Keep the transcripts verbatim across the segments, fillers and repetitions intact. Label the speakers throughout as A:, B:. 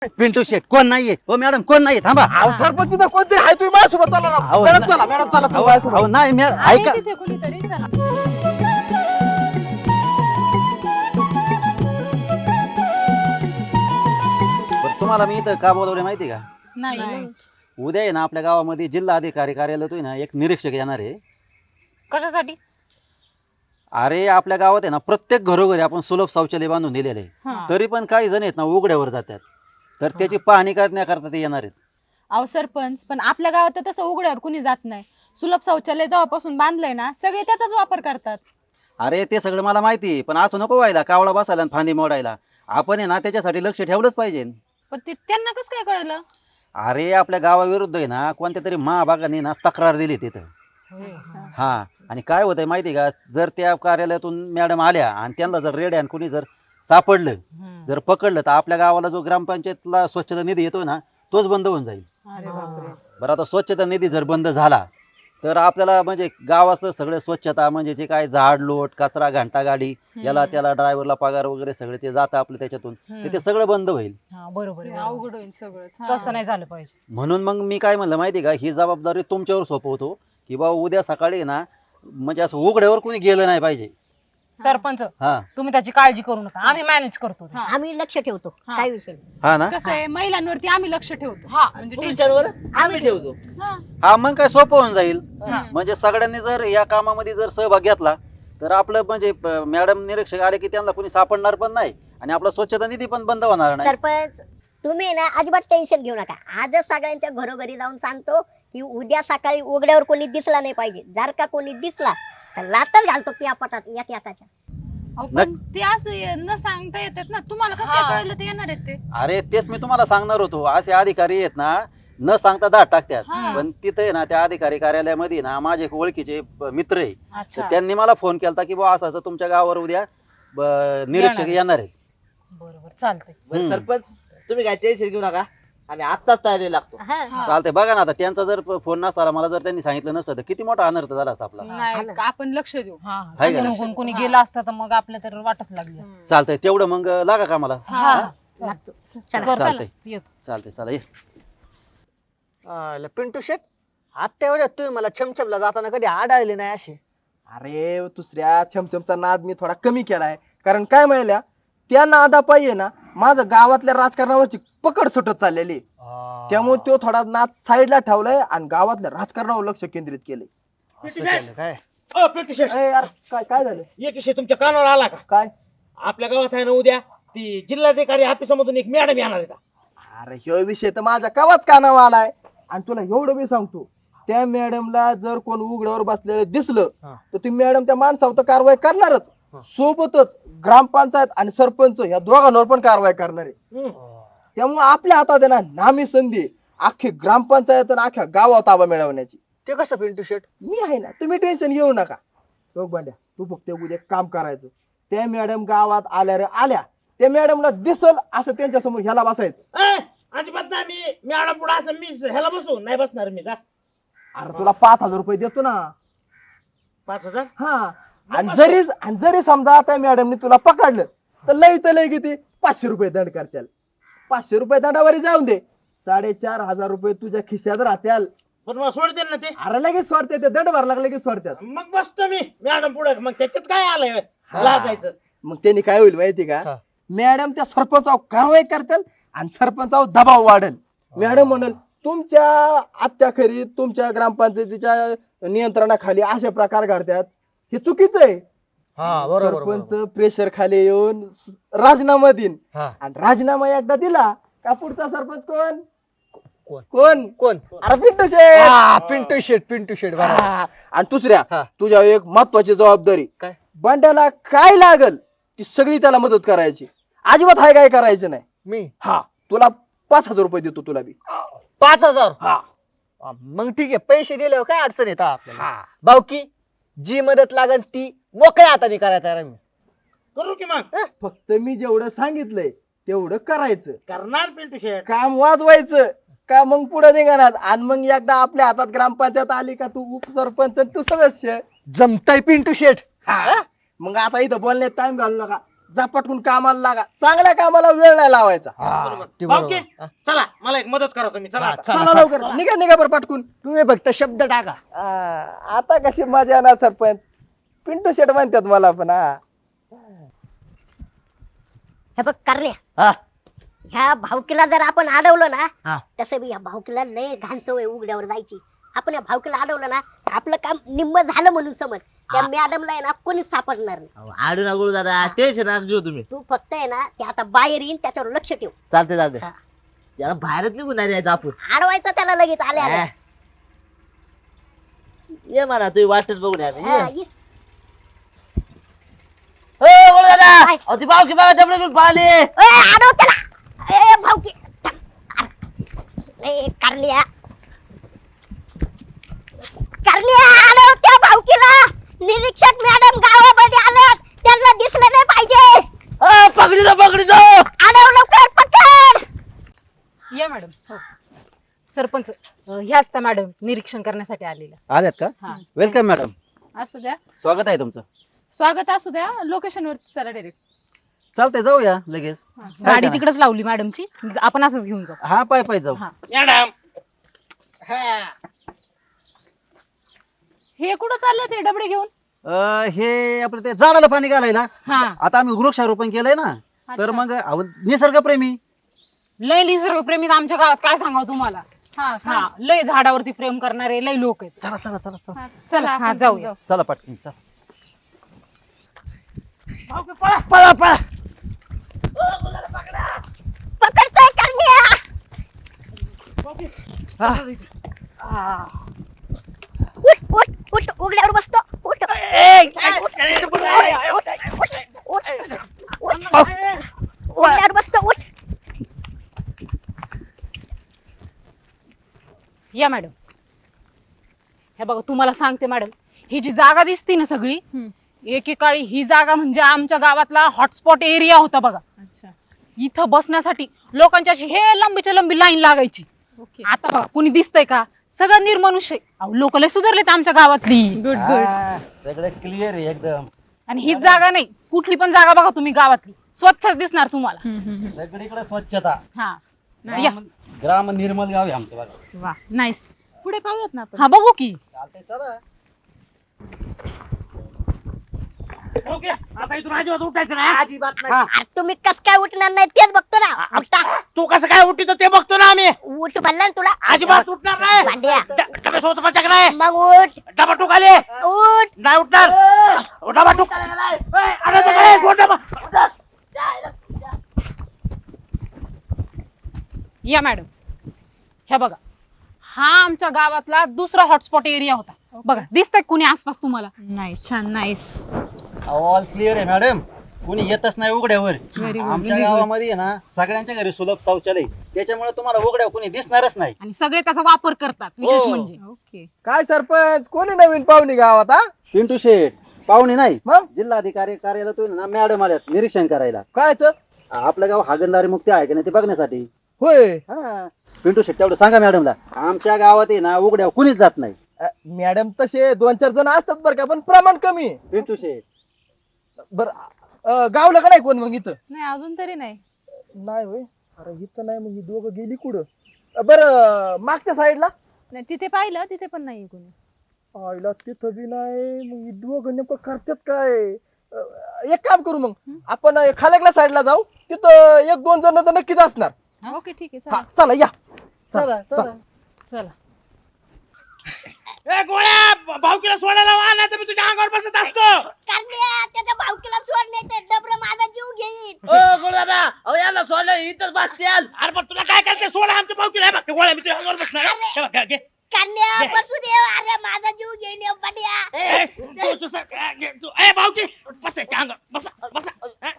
A: पिंटू शेट कोण नाहीये हो मॅडम कोण नाहीये थांबा
B: अहो सरपंच तिथं कोणतरी आहे तुम्ही माझ्यासोबत चला ना
A: अहो,
B: मॅडम चला मॅडम चला तुम्ही
A: अहो
B: माझ्यासोबत.
A: अहो, नाही मॅडम
C: आहे
A: ऐका
C: तिथे कुणीतरी चला.
A: बरं, तुम्हाला मी इथं का बोलवले माहिती का
C: नाही
A: उद्या आहे ना आपल्या गावामध्ये जिल्हा अधिकारी कार्यालयातून ना एक निरीक्षक येणार आहे.
C: कशासाठी?
A: अरे आपल्या गावात आहे ना प्रत्येक घरोघरी आपण सुलभ शौचालय बांधून दिलेले आहे.
C: हा.
A: तरी पण काही जण आहेत ना उघड्यावर जातात तर त्याची पाहणी करण्याकरता ते येणार आहेत.
C: अहो सरपंच पण आपल्या गावात तर तसं उघड्यावर कुणी जात नाही. सुलभ शौचालय जेव्हापासून बांधलंय ना सगळे त्याचाच वापर करतात.
A: अरे ते सगळं मला माहिती आहे, पण असं नको व्हायला कावळा बसायला आणि फांदी मोडायला. आपण आहे ना त्याच्यासाठी लक्ष ठेवलंच पाहिजे.
C: पण ते त्यांना कसं काय कळलं?
A: अरे आपल्या गावाविरुद्ध आहे ना कोणत्या तरी महाभागाने ना तक्रार दिली तिथं. हा आणि काय होतंय माहिती का जर त्या कार्यालयातून मॅडम आल्या आणि त्यांना जर रेड आणि कुणी जर सापडलं जर पकडलं तर आपल्या गावाला जो ग्रामपंचायतला स्वच्छता निधी येतो ना तोच बंद होऊन जाईल.
C: अरे बापरे.
A: बरं आता स्वच्छता निधी जर बंद झाला तर आपल्याला म्हणजे गावाचं सगळं स्वच्छता म्हणजे जे काय झाड लोट कचरा घंटा गाडी याला त्याला ड्रायव्हरला पगार वगैरे सगळे ते जातं आपलं त्याच्यातून तर ते सगळं बंद होईल.
D: हा बरोबर आहे, बरोबर.
C: अवघड होईल सगळंच. हा.
D: तसं नाही झालं पाहिजे.
A: म्हणून मग मी काय म्हणलं माहिती का ही जबाबदारी तुमच्यावर सोपवतो की बाबा उद्या सकाळी ना म्हणजे असं उघड्यावर कोणी गेलं नाही पाहिजे.
D: सरपंच
A: हा
D: तुम्ही त्याची काळजी करू नका, आम्ही मॅनेज करतो ते.
C: हा.
E: आम्ही लक्ष ठेवतो
C: हा.
E: काय विषय नाही.
A: हा ना
C: कसं आहे महिलांवरती आम्ही लक्ष ठेवतो.
D: हा.
C: म्हणजे
B: पुरुषांवर आम्ही ठेवतो
C: हा.
A: हा मग काय सोपं होऊन जाईल.
D: हा.
A: म्हणजे सगळ्यांनी जर या कामामध्ये जर सहभाग घेतला तर आपलं म्हणजे मॅडम निरीक्षक आले की त्यांना कोणी सापडणार पण नाही आणि आपला स्वच्छता निधी पण बंद होणार नाही.
E: सरपंच तुम्ही ना अजिबात टेन्शन घेऊ नका. आजच सगळ्यांच्या घरोघरी जाऊन सांगतो की उद्या सकाळी उघड्यावर कोणी दिसला नाही पाहिजे. जर का कोणी दिसला तर लातच घालतो त्या पटात एक एकाच्या.
C: अहो, पण ते असं न सांगता येतात ना. तुम्हाला कसं काय कळलं ते येणार आहेत ते?
A: अरे तेच मी तुम्हाला सांगणार होतो असे अधिकारी आहेत ना न सांगता दाट टाकतात.
C: हा.
A: पण तिथे आहे ना त्या अधिकारी कार्यालयामध्ये ना माझे एक ओळखीचे प- मित्र आहे तर
D: अच्छा
A: त्यांनी मला फोन केला की बुवा असं असं तुमच्या गावावर उद्या ब- निरीक्षक
D: येणार.
A: येणार आहेत.
D: बरोबर चालतंय.
B: बरं
A: हम्म.
B: सरपंच तुम्ही काय टेन्शन घेऊ नका आम्ही आत्ताच तयारी लागतो.
E: हा.
C: हा.
A: चालतंय बघा ना आता त्यांचा जर प- फोन नसता मला जर त्यांनी सांगितलं नसतं तर किती मोठा अनर्थ झाला असता आपला.
C: नाही का आपण लक्ष देऊ.
D: हा
A: हाय का?
D: निघून कोणी गेला असता तर मग आपल्या तर वाटच लागली असती.
A: चालतंय तेवढं मग लागा का मला.
D: हा
E: लागतो.
D: चला.
E: चला.
A: चालतंय
D: येतो.
A: चालतंय चला ये.
B: अं, पिंटू शेट आत्ता एवढ्या तुम्ही मला छमछमला जाताना कधी आढळले नाही असे.
F: अरे दुसऱ्या छमछमचा नाद मी थोडा कमी केलाय कारण काय म्हणल्या त्या नादा पाहिजे ना माझं गावातल्या राजकारणावरची पकड सुटत चाललेली आहे. त्यामुळे तो थोडा नाद साईडला ठेवलाय आणि गावातल्या राजकारणावर लक्ष केंद्रित केलंय.
B: असं केलं काय
G: अ, पिंटू शेठ,
F: ए यार काय काय झालं
G: एक विषय तुमच्या कानावर आला का?
F: काय
G: आपल्या गावात आहे ना उद्या ती जिल्हाधिकारी ऑफिसामधून एक मॅडम येणार आहेत.
F: अरे ह्यो विषय तर माझ्या कवाच कानावर आलाय आणि तुला एवढं मी सांगतो त्या मॅडमला जर कोण उघड्यावर बसलेलं दिसलं
B: हा.
F: तर ती मॅडम त्या माणसावर तर कारवाई करणारच
B: हा.
F: सोबतच ग्रामपंचायत आणि सरपंच या दोघांवर पण कारवाई करणार आहे. त्यामुळे आपल्या हातात आहे ना नामी संधी आहे. अख्खी ग्रामपंचायत आणि अख्ख्या गावात ताबा मिळवण्याची.
B: ते कसं पिंटू शेट?
F: मी आहे ना तुम्ही टेन्शन घेऊ नका. बघ बांड्या तू फक्त उद्या एक काम करायचं त्या मॅडम गावात आल्या रे आल्या त्या मॅडमला दिसल असं त्यांच्या समोर ह्याला बसायचं.
G: अ, अजिबात नाही मी मॅडम पुढे असं मी ह्याला बसू नाही बसणार मी का?
F: अरे तुला पाच हजार रुपये देतो ना.
G: पाच हजार
F: हा आणि जरी आणि जरी समजा त्या मॅडमने तुला पकडलं तर लय तर लय किती पाचशे रुपये दंड करत्याल. पाचशे रुपये दंडावरी जाऊन दे साडेचार हजार रुपये तुझ्या खिशात राहत्याल.
G: पण मला सोडतील ना ते?
F: अरे लगेच सोडते ते दंड भरला की लगेच सोडत्यात.
G: मग बसतो मी मॅडम पुढे. मग त्याच्यात काय आलंय लागायचं?
F: मग त्यांनी काय होईल माहिती का
B: हा.
F: मॅडम त्या सरपंचावर कारवाई करतील आणि सरपंचावर दबाव वाढेल. मॅडम म्हणेल तुमच्या अत्याखेरी तुमच्या ग्रामपंचायतीच्या नियंत्रणाखाली असे प्रकार घडतात हे चुकीचं आहे.
B: हा बरोबर
F: सरपंच प्रेशर खाली येऊन स- राजीनामा देईन
B: हा.
F: आणि राजीनामा एकदा दिला का पुढचा सरपंच कोण
B: कोण?
F: कोण
B: कोण?
F: अरे पिंटू शेठ.
B: हा, पिंटू शेट पिंटू शेट बरोबर.
F: हा. आणि दुसऱ्या
B: हा.
F: तुझ्या एक महत्वाची जबाबदारी
B: काय?
F: बंड्याला काय लागल ती सगळी त्याला मदत करायची. अजिबात हाय काय करायचं नाही.
B: मी
F: हा तुला पाच हजार रुपये देतो तुला बी.
B: पाच हजार
F: हा
B: हा, मग ठीक आहे पैसे दिल्यावर काय अडचण येत आपल्याला. भाऊकी जी मदत लागल ती मोकळ्या हाताने करायचं आहे मी.
G: करू की मग?
F: फक्त मी जेवढं सांगितलंय तेवढं करायचं.
G: करणार पिंटू शेठ.
F: काम वाजवायचं का मग पुढे निघणार आणि मग एकदा आपल्या हातात ग्रामपंचायत आली का तू उपसरपंच आणि तू सदस्य.
B: जमताय पिंटू शेट.
F: हा. मग आता इथं बोलण्यात टाइम घालू नका. झपाटून कामाला लागा चांगल्या कामाला वेळ नाही लावायचा
B: ते बरोबर.
G: भाऊकी चला मला एक मदत करा तुम्ही चला आता.
F: चला लवकर निघा निघा बरं पाटकून
B: तुम्ही फक्त शब्द टाका
F: आ, आता कशी मजा ना सरपंच पिंटू शेट म्हणतात मला पण हा
E: हे बघ करण्या
B: हा
E: ह्या भावकीला जर आपण अडवलं
B: हा.
E: ना तसं बी ह्या भावकीला लय घाण सवय उघड्यावर जायची. आपण या भावकीला अडवलं ना तर आपलं काम निम्म झालं म्हणून समज. त्या मॅडमला आहे ना कोणीच सापडणार नाही.
B: आडू ना गुळू दादा टेन्शन ना घेऊ तुम्ही
E: तू फक्त आहे ना ते आता बाहेर येईन त्याच्यावर लक्ष ठेव.
B: चालते चालते
E: हा.
B: त्याला बाहेरच निघून नाही द्यायचं आपण
E: अडवायचं त्याला लगेच आले आले.
B: हा. ये म्हणा तुम्ही वाटच बघून या
E: हा, ये.
B: हो गुळू दादा
E: काय?
B: अहो, ती पावकी बघा डबडे घेऊन पाहिले
E: ए, अडव त्याला. ए भावकी ए करण्या करण्या अडव त्या भावकीला. निरीक्षक मॅडम गावामध्ये आल्यात त्यांना दिसलं नाही पाहिजे.
B: पकडी दो पकडी दो
E: अडव लवकर पकड.
D: या मॅडम सरपंच अं, ह्याच त्या मॅडम निरीक्षण करण्यासाठी आलेल्या.
A: आल्यात का
D: हा
A: वेलकम मॅडम
C: असू द्या
A: स्वागत आहे तुमचं
C: स्वागत असू द्या लोकेशन वर चला डायरेक्ट.
A: चालतंय जाऊया लगेच
D: गाडी तिकडेच लावली मॅडमची आपण असंच घेऊन जाऊ.
A: हा पाय पाय जाऊ
D: हा
G: मॅडम
C: हे कुठं चालले ते डबडे घेऊन?
A: अं, हे आपलं ते झाडाला पाणी घालायला
D: हा
A: आता आम्ही वृक्षारोपण केलंय ना तर
C: अच्छा.
A: मग अहो, निसर्गप्रेमी
D: लय निसर्गप्रेमी तर आमच्या गावात काय सांगावं तुम्हाला.
C: हा का?
D: हा लय झाडावरती प्रेम करणारे लय लोक आहेत.
A: चला चला चला चला
C: हा, चला
D: हा,
C: आपण
D: जाऊया.
C: जाऊ.
A: चला पटकन चला
B: पळा पळा
E: पकडतोय करण्या. उठ उठ उठ उघड्यावर बसतो. उठ उठ. उठ. उघड्यावर बसतो. उठ.
D: या मॅडम हे बघा तुम्हाला सांगते मॅडम ही जी जागा दिसते ना सगळी
C: हम्म.
D: एकेकाळी ही जागा म्हणजे आमच्या गावातला हॉटस्पॉट एरिया होता बघा.
C: अच्छा
D: इथं बसण्यासाठी लोकांची अशी हे लंबीच्या लंबी लाईन लागायची.
C: ओके
D: आता बघा कुणी दिसतंय का सगळं निर्मनुष्य लोक लय सुधारलेत आमच्या गावातली.
C: Good good.
A: हा, सगळं क्लिअर आहे एकदम
D: आणि हीच जागा नाही कुठली पण जागा बघा तुम्ही गावातली स्वच्छ दिसणार तुम्हाला.
A: सगळीकडे स्वच्छता
D: हा
A: ग्राम
D: Yes.
A: ग्राम निर्मल गाव आहे आमचं बघा
D: वा नाईस.
C: पुढे पाहूयात ना आपण.
D: हा बघू की
A: चालतंय चला
G: भाऊकी, आता इथून अजिबात उठायचं नाही हा?
B: अजिबात नाही
E: अरे तुम्ही कस काय उठणार नाही तेच बघतो ना. उठा.
G: तू कसं काय उठतो ते बघतो ना आम्ही
E: उठ म्हणलं ना तुला.
G: अजिबात उठणार नाही
E: भांड्या.
G: ड- डब्यासोबत पचक नाही
E: मग उठ
G: डबा टुकाले
E: उठ.
G: नाही उठणार डबा टुक ए, अरे ते काय, सोड डबा.
D: या मॅडम हे बघा हा आमच्या गावातला दुसरा हॉटस्पॉट एरिया होता. बघा दिसतंय कुणी आसपास तुम्हाला?
C: नाही छान नाईस.
A: ऑल क्लिअर आहे मॅडम कुणी येतच नाही उघड्यावर
C: Very good,
A: आमच्या
C: very good.
A: गावामध्ये आहे ना सगळ्यांच्या घरी सुलभ शौचालय त्याच्यामुळे तुम्हाला उघड्यावर कुणी दिसणारच नाही
D: आणि सगळे त्याचा वापर करतात विशेष
A: हो.
D: म्हणजे.
C: ओके
F: काय सरपंच कोणी नवीन पाहुणी गावात हा
A: पिंटू शेठ पाहुणे नाही
F: मग
A: जिल्हाधिकारी कार्यालयातून ना मॅडम आल्यात निरीक्षण करायला
F: कायच
A: आपलं गाव हागणदारी मुक्ती आहे की नाही ते बघण्यासाठी.
F: होय
A: हा पिंटू शेठ तेवढं सांगा मॅडमला आमच्या गावात आहे ना उघड्यावर कुणीच जात नाही.
F: अ, मॅडम तसे दोन चार जण असतात बरं का पण प्रमाण कमी आहे.
A: पिंटू शेठ
F: बर गावलं का नाही कोण मग इथं
C: नाही अजून तरी नाही.
F: नाही होय अरे इथं नाही मग ही दोघं गेली कुठं बर मागच्या साईडला
C: नाही तिथे पाहिलं तिथे पण नाही कोणी.
F: आईला तिथं बी नाही मग ही दोघं नेमकं करतात काय अ, एक काम करू मग आपण अ, खाल्याकल्या साईडला जाऊ तिथं एक दोन जण तर नक्कीच असणार.
C: ओके ठीक आहे
F: हा
C: चला.
F: चला या
A: चला चला
D: चला
G: ए गोळ्या भाऊकीला सोडायला वा नाही तर मी तुझ्या अंगावर बसत असतो.
E: करण्या त्याच्या भावकीला सोड नाही तर डबर माझा जीव घेईन.
B: ओ गुरुदादा अहो याला सोडलं इथंच बसत्याल
G: अरे पण तुला काय करते सोडा आमच्या भाऊकीला हे बघ, ते गोळ्या मी तुझ्या अंगावर बसणार आहे. हे बघ, घे, घे.
E: करण्या बसू दे. अरे माझा जीव घेईन हे बड्या.
G: ए, तू- तू सर- ए, घे, तू- ए, भाऊकी बसायच्या अंगावर बसा बसा ए.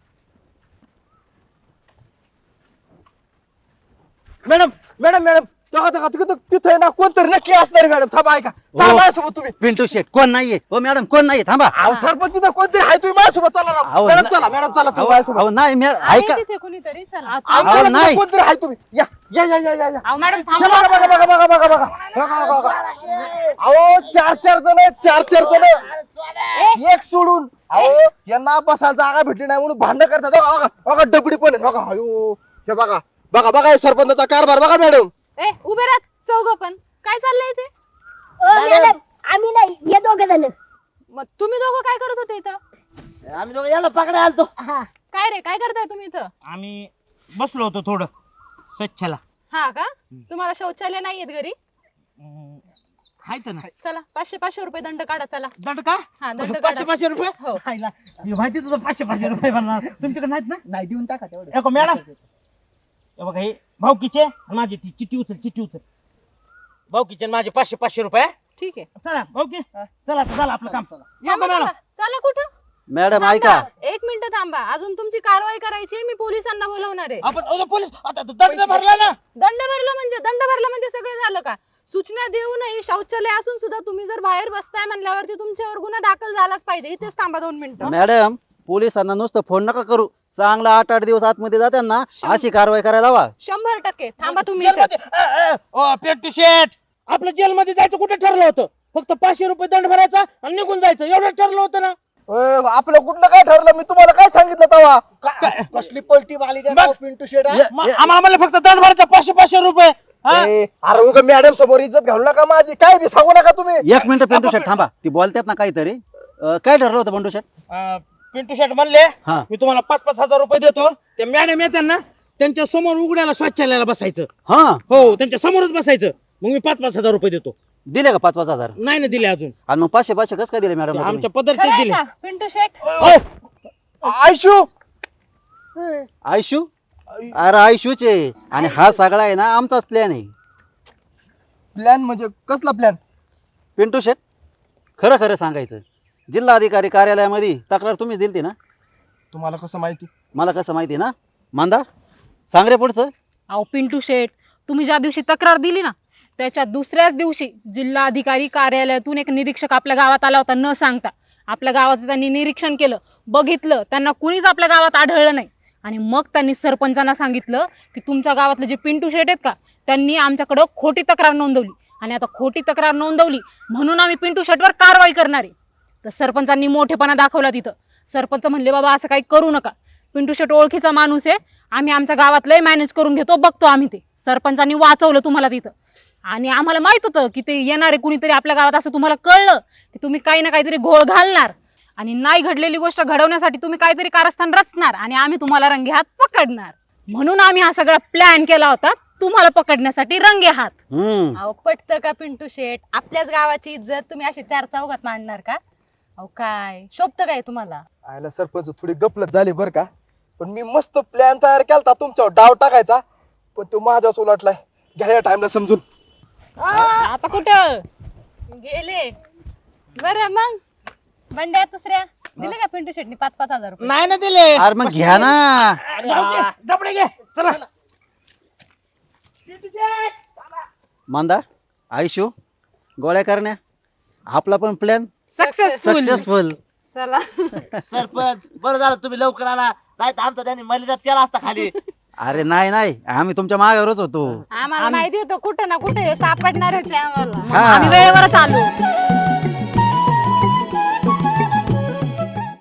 F: मॅडम मॅडम मॅडम तेव्हा तेव्हा तिथं तिथं आहे ना कोणतरी नक्की असणार मॅडम थांबा ऐका चला
A: हो.
F: माझ्यासोबत तुम्ही
A: पिंटू शेट कोण नाहीये हो मॅडम कोण नाहीये थांबा
F: अहो सरपंच तिथं कोणतरी आहे तुम्ही माझ्यासोबत चला ना
A: अहो,
F: मॅडम
A: ना-
F: चला मॅडम चला तुम्ही
A: अहो
F: माझ्यासोबत
A: अहो, नाही मॅ-
C: आहे
A: ऐका
C: तिथे कुणीतरी चला
F: अहो,
A: अहो,
F: चला,
A: नाही.
F: तिथं कोणतरी आहे तुम्ही या या या या या या
D: अहो मॅडम
F: हे
D: थांबा
F: बघा बघा बघा बघा बघा बघा बघा बघा बघा अहो चार चार जण आहेत चार चार जण एक सोडून अहो यांना बसायला जागा भेटली नाही म्हणून भांडण करतात हो, बघा बघा डबडी पण आहे बघा अयो हे बघा बघा बघा हे सरपंचाचा कारभार बघा मॅडम
C: ए उभे राहा चौघ पण काय चाललंय ते
E: ओ मॅडम आम्ही नाही हे दोघे जण
C: मग तुम्ही दोघं काय करत होते इथं
G: आम्ही दोघं याला पकडा आलतो
E: हा
C: काय रे काय करताय तुम्ही इथं
G: आम्ही बसलो होतो थोडं स्वच्छला
C: हा का तुम्हाला शौचालय नाहीयेत घरी
G: हाय तर ना
C: चला पाचशे पाचशे रुपये दंड काढा चला
G: दंड का
C: हा दंड
G: पाचशे
C: काढा
G: पाचशे रुपये
C: हो.
G: हायला, हे माहिती तुझं पाचशे पाचशे रुपये बनणार तुमच्याकडे नाहीत ना
B: नाही देऊन टाका तेवढं
G: एको मॅडम हे बघा हे भाऊकीचे आणि माझी ती चिठ्ठी उचल चिठ्ठी उचल भाऊकीचे आणि माझे पाचशे पाचशे रुपये
C: ठीक आहे
G: चला भाऊकी चला आता झालं आपलं काम या
C: थांबा,
G: मॅडम
C: थांबा. चला कुठं
A: मॅडम ऐका
C: थांबा. एक मिनिट थांबा अजून तुमची कारवाई करायची आहे, मी पोलिसांना बोलवणार आहे
G: आपण अहो, पोलीस आता तो दंड भरला ना
C: दंड भरला म्हणजे दंड भरला म्हणजे सगळं झालं का सूचना देऊनही शौचालय असून सुद्धा तुम्ही जर बाहेर बसताय म्हणल्यावरती तुमच्यावर गुन्हा दाखल झालाच पाहिजे इथेच थांबा दोन मिनिटं
A: मॅडम पोलिसांना नुसतं फोन नका करू चांगला आठ आठ दिवस आतमध्ये जाते ना अशी कारवाई करायला हवा
C: शंभर टक्के थांबा तुम्ही
G: जेलमध्ये-
C: इथेच.
G: अ, अ, ओ, पेंटू शेठ आपलं जेलमध्ये जायचं कुठे ठरलं होतं फक्त पाचशे रुपये दंड भरायचा आणि निघून जायचं एवढं ठरलं होतं ना
F: ओय, आपलं कुठलं काय ठरलं मी तुम्हाला काय सांगितलं तेव्हा कसली पलटी वाली त्या
G: बघ.
F: गाव पिंटू शेड
A: ये-
G: मग आम्हाला म्हणलं फक्त दंड भरायचा पाचशे पाचशे रुपये हा?
F: अरे उगा मॅडम समोर इज्जत घालू नका माझी काय बी सांगू नका तुम्ही
A: एक मिनिट पिंटू शेट थांबा ती बोलतात ना काहीतरी अं, काय ठरलं होतं पिंटू शेट
G: अ, पिंटू शेठ म्हणले
A: हा.
G: मी तुम्हाला पाच पाच हजार रुपये देतो ते मॅडम येतात ना त्यांच्या समोर उघड्याला स्वच्छालयाला बसायचं
A: हा
G: हो त्यांच्या समोरच बसायचं मग मी पाच पाच हजार रुपये देतो
A: दिले का पाच पाच हजार
G: नाही ना दिले अजून
A: आणि मग पाचशे पाचशे कसं काय दिले मॅडम
G: आमच्या पदरचे
C: खरं आहे
G: दिले
C: का पिंटू शेट
F: आयशू
A: आयशू अरे आयशूचे आणि हा सगळा आहे ना आमचाच प्लॅन आहे
F: प्लॅन म्हणजे कसला प्लॅन
A: पिंटू शेट खरं खरं सांगायचं जिल्हा अधिकारी कार्यालयामध्ये तक्रार तुम्हीच दिलती ना
F: तुम्हाला कसं माहिती
A: मला कसं माहिती ना मांदा सांग रे पुढचं
D: अहो पिंटू शेठ तुम्ही ज्या दिवशी तक्रार दिली ना त्याच्या दुसऱ्याच दिवशी जिल्हा अधिकारी कार्यालयातून एक निरीक्षक आपल्या गावात आला होता न सांगता आपल्या गावाचं त्यांनी निरीक्षण केलं बघितलं त्यांना कुणीच आपल्या गावात आढळलं नाही आणि मग त्यांनी सरपंचांना सांगितलं की तुमच्या गावातले जे पिंटू शेठ आहेत का त्यांनी आमच्याकडं खोटी तक्रार नोंदवली आणि आता खोटी तक्रार नोंदवली म्हणून आम्ही पिंटू शेठवर कारवाई करणार आहे तर सरपंचांनी मोठेपणा दाखवला तिथं सरपंच म्हणले बाबा असं काही करू नका पिंटू शेठ ओळखीचा माणूस आहे आम्ही आमच्या गावातलंही मॅनेज करून घेतो बघतो आम्ही ते सरपंचांनी वाचवलं तुम्हाला तिथं आणि आम्हाला माहित होतं की ते येणारे कुणीतरी आपल्या गावात असं तुम्हाला कळलं की तुम्ही काही ना काहीतरी घोळ घालणार आणि नाही घडलेली गोष्ट घडवण्यासाठी तुम्ही काहीतरी कारस्थान रचणार आणि आम्ही तुम्हाला रंगे हात पकडणार म्हणून आम्ही हा सगळा प्लॅन केला होता तुम्हाला पकडण्यासाठी रंगे हात
A: हम्म
C: अहो पटतं का पिंटू शेट आपल्याच गावाची इज्जत तुम्ही अशी चार चौघात मांडणार का अहो काय शोभतं काय तुम्हाला
F: आयला सरपंच थोडी गपलत झाली बर का पण मी मस्त प्लॅन तयार केलता तुमच्यावर डाव टाकायचा पण तो माझ्याच उलटलाय घ्या या टाइमला समजून
D: आता कुठं
C: गेले बर मग बंड्या दुसऱ्या दिले का पिंटू शेटनी पाच पाच हजार रुपये
G: नाही ना दिले
A: अरे मग घ्या ना
G: डबडे घे चला
A: मांदा आयशू गोळ्या करण्या आपला पण प्लॅन
D: सक्सेसफुल
A: सक्सेसफुल
C: चला
H: सरपंच बरं झालं तुम्ही लवकर आला नाही तर आमचा त्यांनी मलिदात केला असता खाली
A: अरे नाही नाही आम्ही तुमच्या मागावरच होतो
C: आम्हाला माहिती होतं कुठं ना कुठे सापडणार होते आम्हाला
A: हा
D: आम्ही वेळेवरच आलो